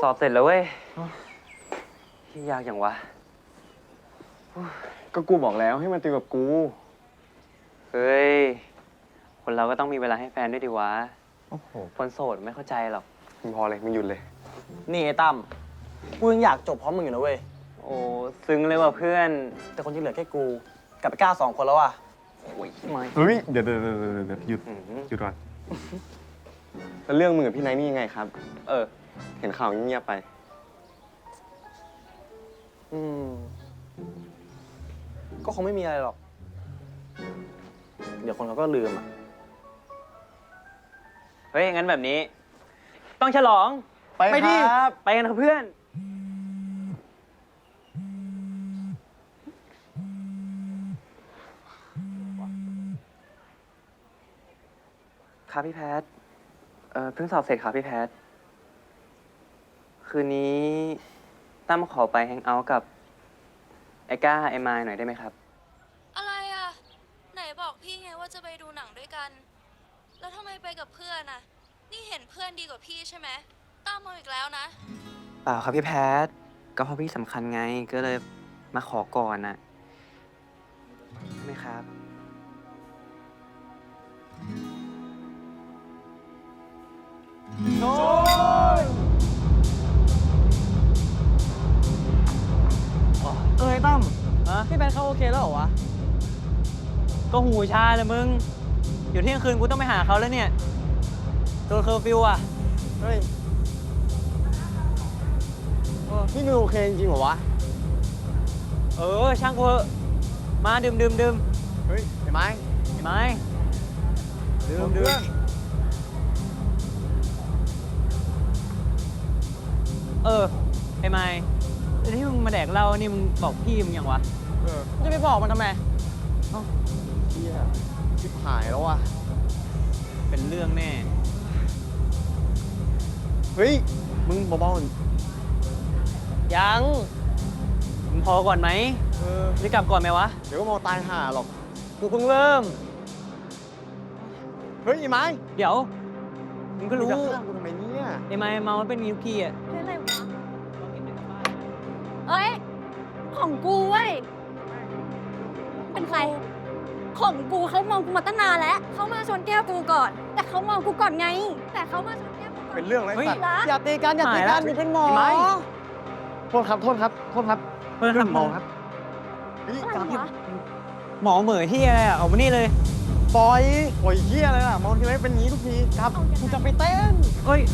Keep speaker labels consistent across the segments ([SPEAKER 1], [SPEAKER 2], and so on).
[SPEAKER 1] สอบเสร็จแล้วเว้ยยากอย่างวะ
[SPEAKER 2] ก็กูบอกแล้วให้มันติวกับกู
[SPEAKER 1] เฮ้ย คนเราก็ต้องมีเวลาให้แฟนด้วยดิวะ
[SPEAKER 2] โอ้โห
[SPEAKER 1] คนโสดไม่เข้าใจหรอก
[SPEAKER 2] มึงพอเลย มึงหยุดเลย
[SPEAKER 3] นี่ไอ้ตั้มกูยังอยากจบพร้อมมึงอยู่นะเว้ย
[SPEAKER 1] โอ้ซึ้งเลยว่ะเพื่อน
[SPEAKER 3] แต่คนที่เหลือแค่กูกับไอ้ก้า2 คนแล้วอ่ะ
[SPEAKER 1] โอ้ยไม่
[SPEAKER 2] เฮ้ย เดี๋ยวหยุด
[SPEAKER 1] อื้อหือ
[SPEAKER 2] หยุดก่อน แล้วเรื่องมึงกับพี่ไนท์นี่ยังไงครับ
[SPEAKER 1] เออ
[SPEAKER 2] เห็นข่าวเงียบๆไป
[SPEAKER 3] ก็คงไม่มีอะไรหรอก เดี๋ยวคนเขาก็ลืมอ่ะ
[SPEAKER 1] เฮ้ย งั้นแบบนี้ ต้องฉลอง
[SPEAKER 2] ไปดิ
[SPEAKER 1] ครับ ไปกันครับเพื่อน ครับพี่แพท เพิ่งสอบเสร็จครับพี่แพท คืนนี้ตั้มขอไปแฮงเอาท์กับไอ้ก้าไอ้มายหน่อยได้ไหมครับ
[SPEAKER 4] อะไรอ่ะ ไหนบอกพี่ไงว่าจะไปดูหนังด้วยกัน แล้วทำไมไปกับเพื่อนอ่ะ นี่เห็นเพื่อนดีกว่าพี่ใช่ไหมตามมาอีกแล้วนะ
[SPEAKER 1] เปล่าครับพี่แพท ก็เพราะพี่สำคัญไง ก็เลยมาขอก่อนน่ะใช่ไหมครับ
[SPEAKER 3] ไอ้ตั้ม
[SPEAKER 1] ฮะ
[SPEAKER 3] พี่แบนเขาโอเคแล้วเหรอวะ
[SPEAKER 1] ก็หูชาเลยมึง อยู่เที่ยงคืนกูต้องไปหาเขาแล้วเนี่ยโดนเคอร์ฟิวอ่ะ
[SPEAKER 3] เฮ้ยพี่มึงโอเคจริงเหรอวะ
[SPEAKER 1] เออ ช่างกูเถอะมาดื่ม
[SPEAKER 3] เฮ้ยไอ้ไม้
[SPEAKER 1] เห็นไหมดื่ม เออ ไอ้ไม้ที่มึงมาแดกเหล้านี่มึงบอกพี่มึงยังวะ
[SPEAKER 3] จะไปบอกมันทำไมเฮียชิบหายแล้วว่ะ
[SPEAKER 1] เป็นเรื่องแน่
[SPEAKER 3] เฮ้ย มึงเบาๆหน่อย
[SPEAKER 1] ยัง มึงพอก่อนไหม จะกลับก่อนไหมวะ
[SPEAKER 3] เดี๋ยวก็มองตายห่าหรอก
[SPEAKER 1] กูเพิ่งเริ่ม
[SPEAKER 3] เฮ้ยไอ้ไม้
[SPEAKER 1] เดี๋ยว มึงก็รู้
[SPEAKER 3] จะฆ่ากูทำไมเนี่ย
[SPEAKER 1] ไอ้ไม้เมามันเป็นมิวกี้อ่ะ
[SPEAKER 4] เป็นอะไรวะ เอ้ย ของกูเว้ย เป็นใคร ของกูเขามองกูมาตั้งนานแล้ว เขามาชนแก้วกูก่อน แต่เขามองกูก่อนไง แต่เขามาชนแก้วกูก่อน
[SPEAKER 3] เป็นเรื่องอะไร
[SPEAKER 1] เฮ้ย
[SPEAKER 3] สัตว์
[SPEAKER 4] รัก
[SPEAKER 3] อย่าตีกันอย่าตี
[SPEAKER 1] หายแล้
[SPEAKER 3] กั
[SPEAKER 1] ว
[SPEAKER 3] นมึงเป็นหมอ
[SPEAKER 1] ไอ้ไม้
[SPEAKER 3] โทษครับ โทษครับ โทษครับ
[SPEAKER 1] เพื่อนครับ
[SPEAKER 3] หมอครับเฮ้ย
[SPEAKER 4] อะไร
[SPEAKER 3] กลับ
[SPEAKER 4] วะ
[SPEAKER 1] หมอเหม่อที่อะไรอ่ะ ออกมานี่เลย
[SPEAKER 3] ปล่อยเหี้ยอะไรล่ะ มองทีไรเป็นอย่างนี้ทุกทีครับกูจะไปเต้น
[SPEAKER 1] เอ้ย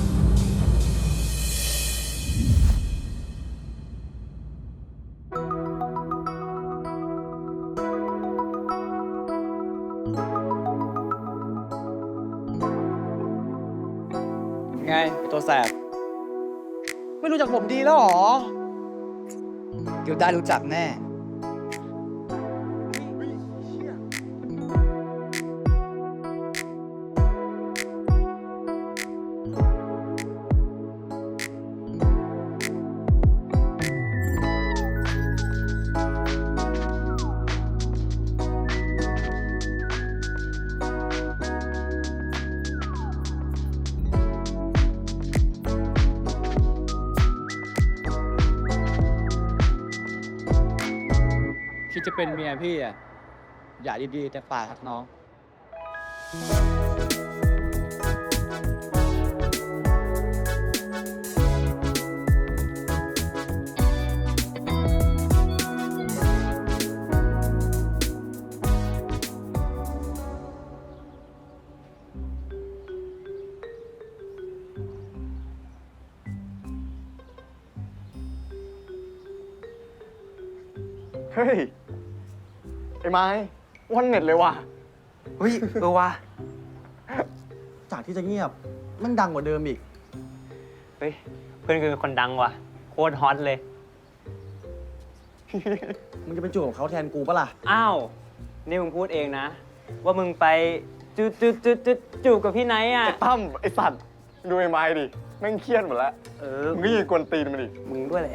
[SPEAKER 3] ไงตัวแสบ ไม่รู้จักผมดีแล้วหรอ
[SPEAKER 5] เดี๋ยวได้รู้จักแน่คิดจะเป็นเมียพี่อ่ะ อย่าดีๆแต่ปากครับน้อง
[SPEAKER 2] เฮ้ย ไอ้ไม้วันเน็ตเลยว่ะ
[SPEAKER 1] เฮ้ย เออว่ะ
[SPEAKER 3] จากที่จะเงียบ มันดังกว่าเดิมอีก
[SPEAKER 1] เฮ้ย เพื่อนคือคนดังว่ะ โคตรฮอตเลย
[SPEAKER 3] มึงจะไปจูบกับเขาแทนกูปะล่ะ
[SPEAKER 1] อ้าว นี่มึงพูดเองนะ ว่ามึงไปจูบกับพี่ไนท์อ่ะ
[SPEAKER 2] ไอ้ตั้มไอ้สัตว์ ดูไอ้ไม้ดิ แม่งเครียดหมดแล้ว
[SPEAKER 1] เออ
[SPEAKER 2] มึงก็ยืนกวนตีนมันดิ
[SPEAKER 1] มึงด้วยแหละ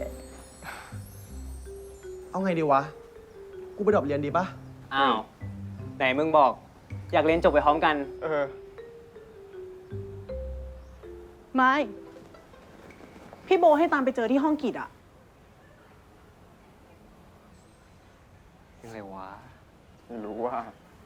[SPEAKER 3] เอาไงดีวะ กูไปดรอปเรียนดีปะ
[SPEAKER 1] อ้าว ไหนมึงบอก อยากเรียนจบไปพร้อมกัน
[SPEAKER 2] เออ
[SPEAKER 6] ไม่พี่โบให้ตามไปเจอที่ห้องกิจอะ
[SPEAKER 1] ยังไงวะ
[SPEAKER 2] ไม่รู้ว่า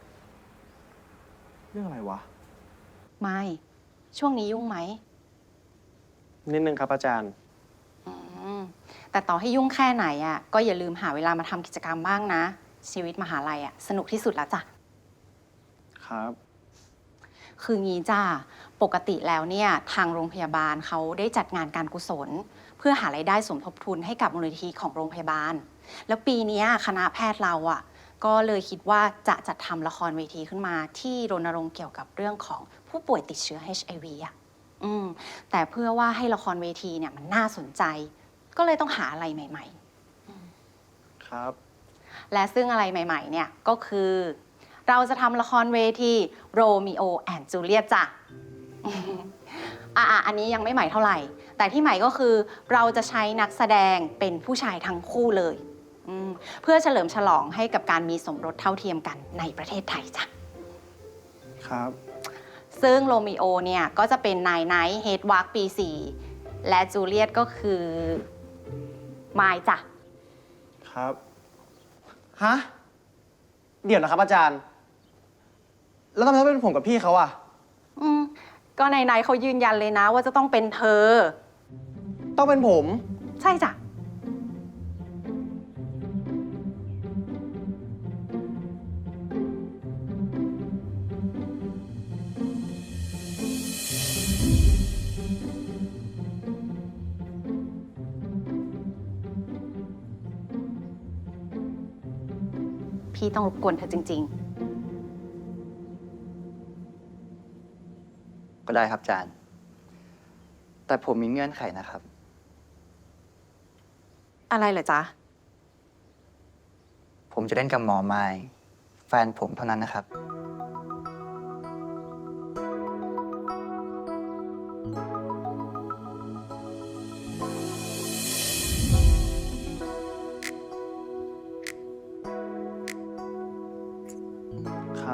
[SPEAKER 3] เรื่องอะไรวะ
[SPEAKER 7] ไม่ ช่วงนี้ยุ่งไหม
[SPEAKER 3] นิดนึงครับอาจารย์
[SPEAKER 7] อืมแต่ต่อให้ยุ่งแค่ไหนอ่ะ ก็อย่าลืมหาเวลามาทำกิจกรรมบ้างนะ ชีวิตมหาลัยอ่ะสนุกที่สุดแล้วจ้ะ
[SPEAKER 3] ครับ
[SPEAKER 7] คืองี้จ้าปกติแล้วเนี่ยทางโรงพยาบาลเขาได้จัดงานการกุศล เพื่อหารายได้สมทบทุนให้กับมูลนิธิของโรงพยาบาล แล้วปีเนี้ยคณะแพทย์เราอ่ะก็เลยคิดว่าจะจัดทำละครเวทีขึ้นมาที่รณรงค์เกี่ยวกับเรื่องของผู้ป่วยติดเชื้อ HIV อ่ะแต่เพื่อว่าให้ละครเวทีเนี่ยมันน่าสนใจ ก็เลยต้องหาอะไรใหม่
[SPEAKER 3] ครับ
[SPEAKER 7] ๆ และซึ่งอะไรใหม่ๆเนี่ยก็คือ เราจะทำละครเวทีโรมิโอแอนด์จูเลียตจ้ะ อันนี้ยังไม่ใหม่เท่าไหร่ แต่ที่ใหม่ก็คือเราจะใช้นักแสดงเป็นผู้ชายทั้งคู่เลยเพื่อเฉลิมฉลองให้กับการมีสมรสเท่าเทียมกันในประเทศไทยจ้ะ
[SPEAKER 3] ครับ
[SPEAKER 7] ซึ่งโรมิโอเนี่ยก็จะเป็นนายไนท์เฮดวาร์กปี 4 และจูเลียตก็คือมายจ้ะ
[SPEAKER 3] ครับ ฮะ เดี๋ยวนะครับอาจารย์ แล้วทำไมต้องเป็นผมกับพี่เขาอะ
[SPEAKER 7] ก็นายไนท์เขายืนยันเลยนะว่าจะต้องเป็นเธอ
[SPEAKER 3] ต้องเป็นผม
[SPEAKER 7] ใช่จ้ะ พี่ต้องรบกวนเธอจริง
[SPEAKER 8] ก็ได้ครับอาจารย์ แต่ผมมีเงื่อนไขนะครับ
[SPEAKER 7] ๆ อะไรเหรอจ๊ะ
[SPEAKER 8] ผมจะเล่นกับหมอไม้แฟนผมเท่านั้นนะครับ
[SPEAKER 3] ครับ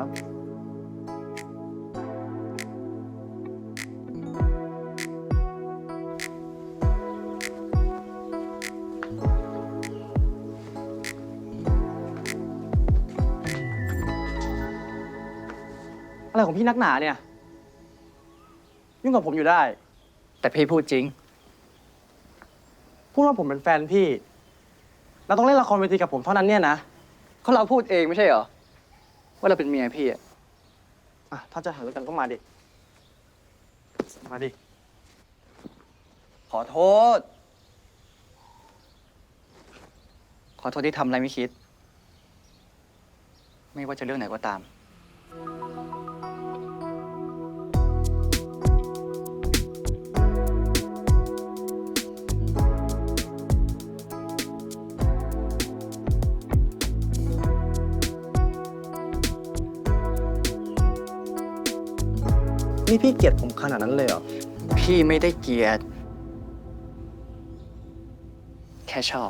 [SPEAKER 3] อะไรของพี่นักหนาเนี่ย ยุ่งกับผมอยู่ได้
[SPEAKER 8] แต่พี่พูดจริง
[SPEAKER 3] พูดว่าผมเป็นแฟนพี่ เราต้องเล่นละครเวทีกับผมเท่านั้นเนี่ยนะ
[SPEAKER 8] เขาเราพูดเองไม่ใช่เหรอ ว่าเราเป็นเมียพี่อะ
[SPEAKER 3] อ่ะ ถ้าจะหาเรื่องกันก็มาดิ มาดิ
[SPEAKER 8] ขอโทษ ขอโทษที่ทำอะไรไม่คิด ไม่ว่าจะเรื่องไหนก็ตาม
[SPEAKER 3] นี่พี่เกลียดผมขนาดนั้นเลยเหรอ
[SPEAKER 8] พี่ไม่ได้เกลียด แค่ชอบ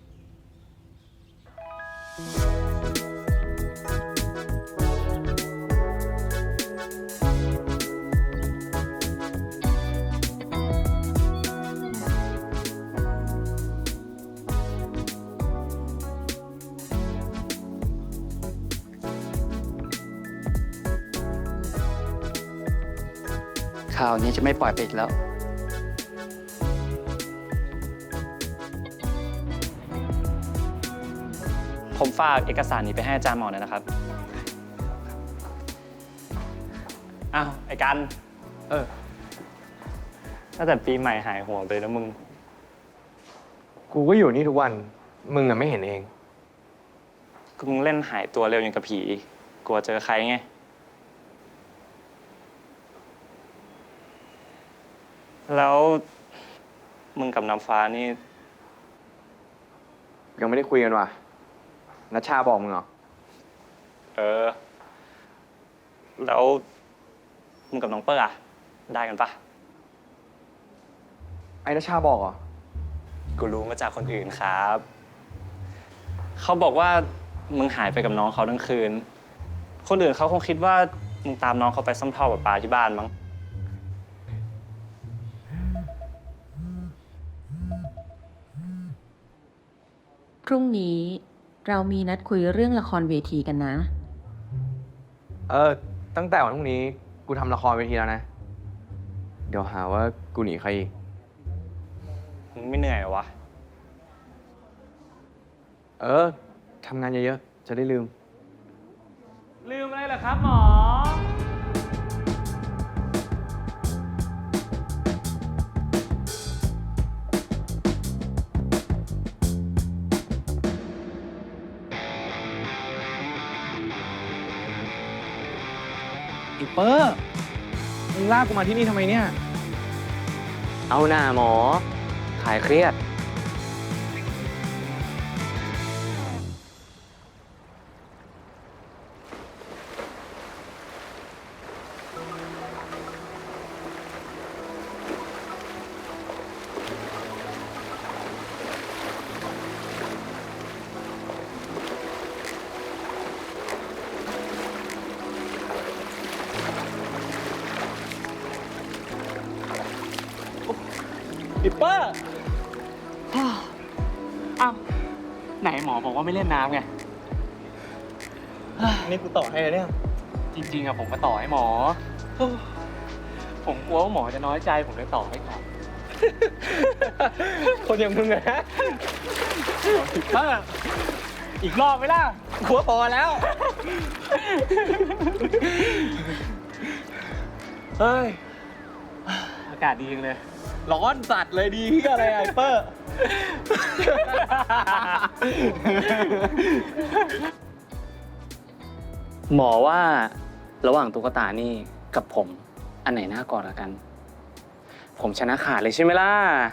[SPEAKER 8] ข่าวนี้จะไม่ปล่อยไปอีกแล้ว
[SPEAKER 9] ผมฝากเอกสารนี้ไปให้อาจารย์หมอหน่อยนะครับ อ้าว ไอ้กัน ตั้งแต่ปีใหม่หายห่วงไปแล้วมึง
[SPEAKER 2] กูก็อยู่นี่ทุกวัน มึงอะไม่เห็นเอง
[SPEAKER 9] ก็มึงเล่นหายตัวเร็วอย่างกับผี กลัวเจอใครไง แล้วมึงกับน้ำฟ้านี่
[SPEAKER 2] ยังไม่ได้คุยกันว่ะนัชชาบอกมึงเหรอ
[SPEAKER 9] เออ แล้วมึงกับน้องเปิ้ลอะได้กันปะ
[SPEAKER 2] ไอ้นัชชาบอกเหรอ
[SPEAKER 9] กูรู้มาจากคนอื่นครับ เขาบอกว่ามึงหายไปกับน้องเขาทั้งคืน คนอื่นเขาคงคิดว่ามึงตามน้องเขาไปซ่อมท่อประปาที่บ้านมั้ง
[SPEAKER 6] พรุ่งนี้เรามีนัดคุยเรื่องละครเวทีกันนะ
[SPEAKER 2] ตั้งแต่วันพรุ่งนี้กูทำละครเวทีแล้วนะ เดี๋ยวหาว่ากูหนีใครอีก
[SPEAKER 9] มึงไม่เหนื่อยเหรอวะ
[SPEAKER 2] ทำงานเยอะๆ จะได้ลืม
[SPEAKER 9] ลืมอะไรเหรอครับหมอ
[SPEAKER 2] อีเปอร์มึงลากกูมาที่นี่ทำไมเนี่ย
[SPEAKER 1] เอาหน้าหมอขายเครียด
[SPEAKER 9] ปิปเปอร์ อ้าว ไหนหมอบอกว่าไม่เล่นน้ำไง
[SPEAKER 3] นี่กูต่อให้เลยเนี่ย
[SPEAKER 9] จริงๆอะผมก็ต่อให้หมอ ผมกลัวว่าหมอจะน้อยใจ ผมเลยต่อให้ครับ
[SPEAKER 3] คนอย่างมึงอะ
[SPEAKER 9] ปิปเปอร์ อีกรอบไหมล่ะ
[SPEAKER 3] กลัวพอแล้ว เฮ้ย
[SPEAKER 9] อากาศดีจังเลย
[SPEAKER 3] ร้อนสัตว์เลยดีที่อะไรไอเปอร์
[SPEAKER 5] หมอว่าระหว่างตุ๊กตานี่กับผม อันไหนน่ากอดกัน ผมชนะขาดเลยใช่ไหมล่ะ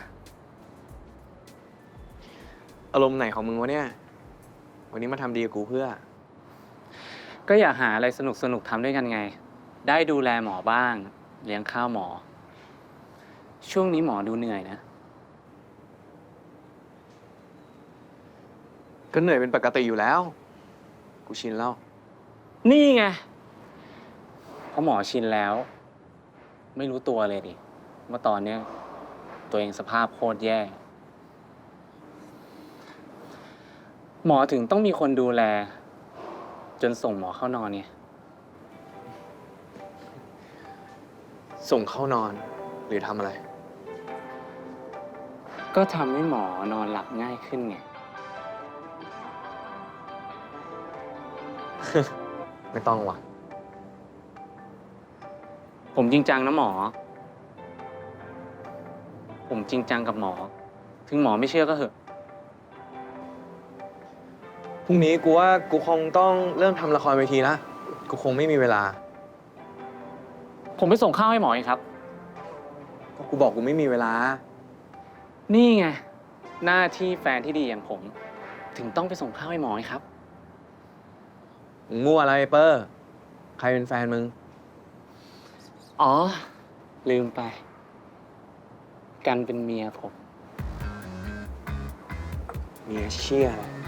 [SPEAKER 2] อารมณ์ไหนของมึงวะเนี่ย วันนี้มาทำดีกับกูเพื่อ
[SPEAKER 5] ก็อยากหาอะไรสนุกๆทำด้วยกันไง ได้ดูแลหมอบ้าง เลี้ยงข้าวหมอ ช่วงนี้หมอดูเหนื่อยนะ
[SPEAKER 2] ก็เหนื่อยเป็นปกติอยู่แล้ว กูชินแล้ว
[SPEAKER 5] นี่ไงเพราะหมอชินแล้ว ไม่รู้ตัวเลยดิว่าตอนเนี้ยตัวเองสภาพโคตรแย่ หมอถึงต้องมีคนดูแล จนส่งหมอเข้านอนเนี่ย
[SPEAKER 2] ส่งเข้านอน หรือทำอะไร
[SPEAKER 5] ก็ทำให้หมอนอนหลับง่ายขึ้นไง
[SPEAKER 2] ไม่ต้องว่ะ
[SPEAKER 5] ผมจริงจังนะหมอ ผมจริงจังกับหมอ ถึงหมอไม่เชื่อก็เหอะ
[SPEAKER 2] พรุ่งนี้กูว่ากูคงต้องเริ่มทำละครเวทีละ กูคงไม่มีเวลา
[SPEAKER 5] ผมไปส่งข้าวให้หมอเองครับ
[SPEAKER 2] ก็กูบอกกูไม่มีเวลา
[SPEAKER 5] นี่ไง หน้าที่แฟนที่ดีอย่างผม ถึงต้องไปส่งข้าวให้หมอไงครับ
[SPEAKER 2] มึงมั่วอะไรเปอร์ ใครเป็นแฟนมึง
[SPEAKER 5] อ๋อ ลืมไป กันเป็นเมียผม
[SPEAKER 2] เมียเชี่ยอะไร